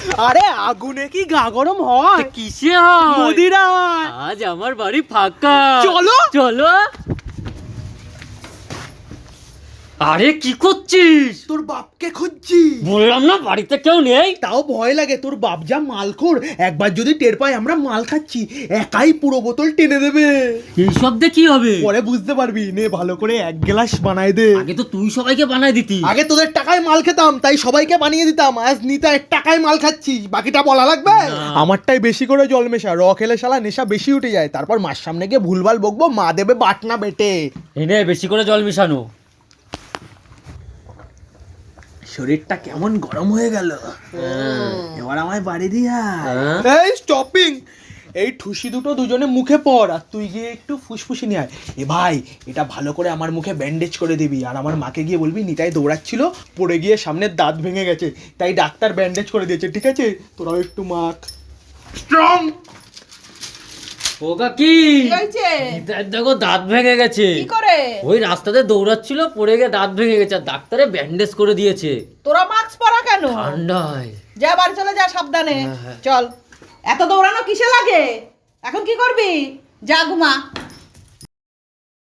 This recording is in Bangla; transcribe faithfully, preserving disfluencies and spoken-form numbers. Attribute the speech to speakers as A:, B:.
A: আরে আগুনে কি গা গরম হয়?
B: কিসে হয়?
A: মদিরায়।
B: আজ আমার বাড়ি ফাঁকা,
A: চলো
B: চলো। আরে কি করছিস?
A: তোর বাপকে খুঁজছি।
B: বললাম না বাড়িতে কেউ নেই।
A: তাও ভয় লাগে, তোর বাপ যা মালখোর, একবার যদি টের পাই আমরা মাল খাচ্ছি একাই পুরো বোতল টেনে দেবে।
B: এইসব দিয়ে কি হবে?
A: পরে বুঝতে পারবি, নে ভালো করে এক গ্লাস বানাই দে।
B: আগে তো তুই সবাইকে বানায় দিতি।
A: আগে তোদের টাকায় মাল খেতাম তাই সবাইকে বানিয়ে দিতাম, আজ নিতাই টাকায় মাল খাচ্ছি, বাকিটা বলা লাগবে? আমারটাই বেশি করে জল মেশা, র খেলে শালা নেশা বেশি উঠে যায়, তারপর মার সামনে গিয়ে ভুলভাল বকবো, মা দেবে বাটনা বেটে।
B: এনে বেশি করে জল মিশানো।
A: শরীরটা কেমন গরম হয়ে গেল, এবার আমায় বাড়ি দিয়া।
B: হ্যাঁ?
A: এই স্টপিং, এই ঠুসি দুটো দুজনে মুখে পড়, আর তুই গিয়ে একটু ফুসফুসি নিয়ে আয়। এ ভাই, এটা ভালো করে আমার মুখে ব্যান্ডেজ করে দিবি, আর আমার মাকে গিয়ে বলবি নিতাই দৌড়াচ্ছিল, পড়ে গিয়ে সামনের দাঁত ভেঙে গেছে, তাই ডাক্তার ব্যান্ডেজ করে দিয়েছে, ঠিক আছে? তোরাও একটু মাখ স্ট্রং।
B: ও কাকি, নিতাইয়ের দেখো দাঁত ভেঙে গেছে।
C: কি করে?
B: ওই রাস্তাতে দৌড়াচ্ছিল, পড়ে গিয়ে দাঁত ভেঙে গেছে, আর ডাক্তারে ব্যান্ডেজ করে দিয়েছে।
C: তোরা মাস্ক পরা কেন?
B: ঠান্ডায়।
C: যা বাড়ি চলে যা, সাবধানে।
B: হ্যাঁ, হ্যাঁ।
C: চল, এত দৌড়ানো কিসে লাগে? এখন কি করবি? যা ঘুমা।